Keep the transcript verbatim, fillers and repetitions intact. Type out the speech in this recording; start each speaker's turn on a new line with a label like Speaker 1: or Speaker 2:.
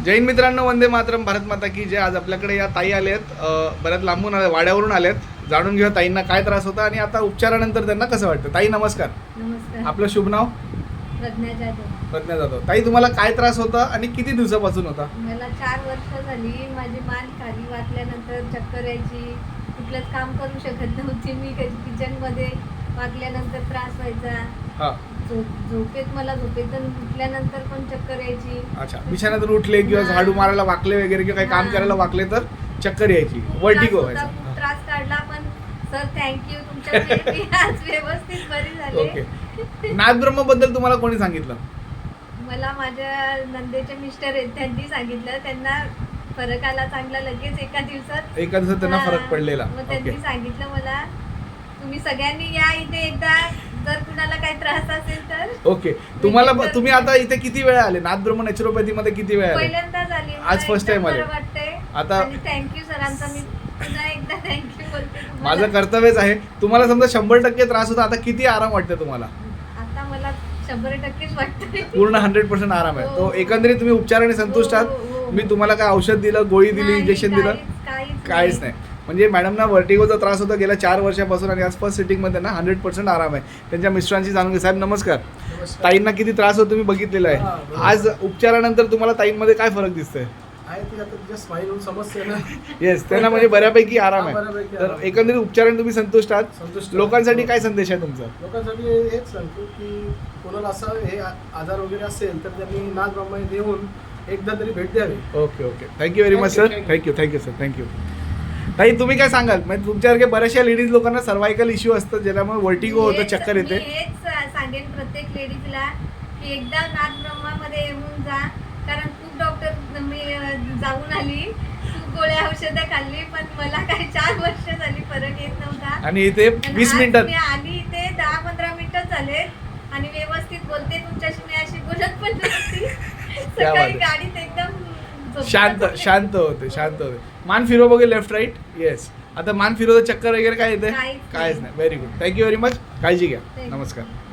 Speaker 1: जैन मित्रांनो, वंदे मातरम, भारत माता की जय. आज आपल्याकडे या ताई आले आहेत, बऱ्याच लांबून आले, वाड्यावरून आलेत. जाणून घेऊया ताईंना काय त्रास होता आणि आता उपचारानंतर त्यांना कसं वाटतं. ताई नमस्कार.
Speaker 2: नमस्कार.
Speaker 1: आपलं शुभ नाव?
Speaker 2: प्रज्ञा जाधव.
Speaker 1: प्रज्ञा जाधव. ताई तुम्हाला काय त्रास होता आणि किती दिवसापासून होता?
Speaker 2: मला चार वर्ष झाली. माझी मान खाली वाकल्यानंतर चक्कर यायची, कुठलंच काम करू शकत नव्हती मी. किचन मध्ये वाकल्यानंतर त्रास व्हायचा.
Speaker 1: हा.
Speaker 2: झोप झोपेत मला झोपेतून उठल्यानंतर पण चक्कर यायची.
Speaker 1: अच्छा, बिछाण्यातून उठले किंवा
Speaker 2: हा.
Speaker 1: झाडू मारायला वाकले वगैरे किंवा काही काम
Speaker 2: हा.
Speaker 1: करायला वाकले तर चक्कर यायची,
Speaker 2: खूप
Speaker 1: वर्टिगो
Speaker 2: त्रास होता,
Speaker 1: व्हायचा.
Speaker 2: खूप त्रास काढला. पण सर थँक्यू, तुमच्यामुळे मी आज व्यवस्थित बरी झाले.
Speaker 1: ओके. नाथब्रह्म बद्दल तुम्हाला कोणी सांगितलं?
Speaker 2: मला माझ्या नंदेचे मिस्टर आहेत, त्यांनी सांगितलं. त्यांना फरक आला चांगला लगेच एका दिवसात.
Speaker 1: एका दिवसात त्यांना
Speaker 2: हा.
Speaker 1: फरक पडलेला.
Speaker 2: मग
Speaker 1: ओके.
Speaker 2: त्यांनी सांगितलं मला, तुम्ही सगळ्यांनी या इथे एकदा, जर कुणाला काही त्रास असेल तर.
Speaker 1: ओके. तुम्हाला तुम्ही आता इथे किती वेळा आले? नाथब्रह्म नॅचरोपॅथी मध्ये किती वेळा आले?
Speaker 2: पहिल्यांदाच आली.
Speaker 1: आज first time आले.
Speaker 2: वाटतंय.
Speaker 1: आता-
Speaker 2: आणि थँक्यू सरांचा मी पुन्हा एकदा थँक्यू बोलते तुम्हाला.
Speaker 1: माझं कर्तव्यच आहे. तुम्हाला समजा शंभर टक्के त्रास होता, आता किती आराम वाटते तुम्हाला?
Speaker 2: आता मला शंभर टक्केच वाटतंय.
Speaker 1: पूर्ण हंड्रेड पर्सेंट आराम आहे.
Speaker 2: हो.
Speaker 1: तो एकंदरीत तुम्ही उपचाराने संतुष्ट
Speaker 2: हो,
Speaker 1: आहात?
Speaker 2: हो, हो.
Speaker 1: मी तुम्हाला काय औषध दिलं, गोळी दिली,
Speaker 2: नाही,
Speaker 1: इंजेक्शन दिलं?
Speaker 2: काहीच- काहीच
Speaker 1: काहीच नाही. म्हणजे मॅडमना वर्टिगोचा त्रास होता गेल्या चार वर्षापासून आणि आज फर्स्ट सिटिंगमध्ये ना हंड्रेड पर्सेंट आराम आहे. त्यांच्या मिस्टरांशी जाणून घे. साहेब नमस्कार. ताईंना किती त्रास होतो तुम्ही बघितलेला आहे. आज उपचारानंतर तुम्हाला ताईंमध्ये काय फरक दिसतोय?
Speaker 3: आहे ती आता तिच्या स्माईल समस्या ना.
Speaker 1: येस, त्यांना म्हणजे बऱ्यापैकी आराम
Speaker 3: हा,
Speaker 1: आहे.
Speaker 3: बऱ्यापैकी
Speaker 1: तर
Speaker 3: आराम.
Speaker 1: एकंदरीत उपचाराने तुम्ही संतुष्ट आहात?
Speaker 3: संतुष्ट.
Speaker 1: लोकांसाठी काय संदेश आहे तुमचा?
Speaker 3: लोकांसाठी हेच सांगतो की कोणाला असं हे आ- आजार वगैरे असेल तर त्यांनी नाथ ब्रह्माने येऊन एकदा तरी भेट द्यावी.
Speaker 1: Okay okay. Thank you very much sir.
Speaker 3: Thank you,
Speaker 1: thank you thank you sir. Thank you. ताई तुम्ही काय सांगाल? म्हणजे तुमच्यासारखे बऱ्याचशा लेडीज लोकांना सर्वायकल इश्यू असतात, ज्याच्यामुळे वर्टिगो होतं,
Speaker 2: हेच-
Speaker 1: चक्कर येते.
Speaker 2: मी हेच सांगेन प्रत्येक लेडीजला की एकदा नाथ ब्रह्मामध्ये येऊन जा. कारण खूप डॉक्टर मी अं, जाऊन आली, खूप गोळ्या औषधं खाल्ली, पण मला काही चार वर्ष झाली फरक येत नव्हता.
Speaker 1: आणि इथे
Speaker 2: पण
Speaker 1: वीस
Speaker 2: आज
Speaker 1: मिनिटात
Speaker 2: मी आली इथे दहा पंधरा मिनिटं झाले आणि व्यवस्थित बोलते तुमच्याशी. मी अशी बोलत पण नव्हती.
Speaker 1: क्या बात
Speaker 2: सकाळी
Speaker 1: आहे.
Speaker 2: गाडीत एकदम झोपत
Speaker 1: शांत
Speaker 2: होते.
Speaker 1: शांत होते शांत होते. मान फिरव बघे, लेफ्ट राईट. येस. आता मान फिरवतं चक्कर वगैरे काय येते?
Speaker 2: काहीच
Speaker 1: काहीच
Speaker 2: नाही.
Speaker 1: नाही. Very good. Thank you very much. काळजी घ्या.
Speaker 2: Thank you.
Speaker 1: नमस्कार.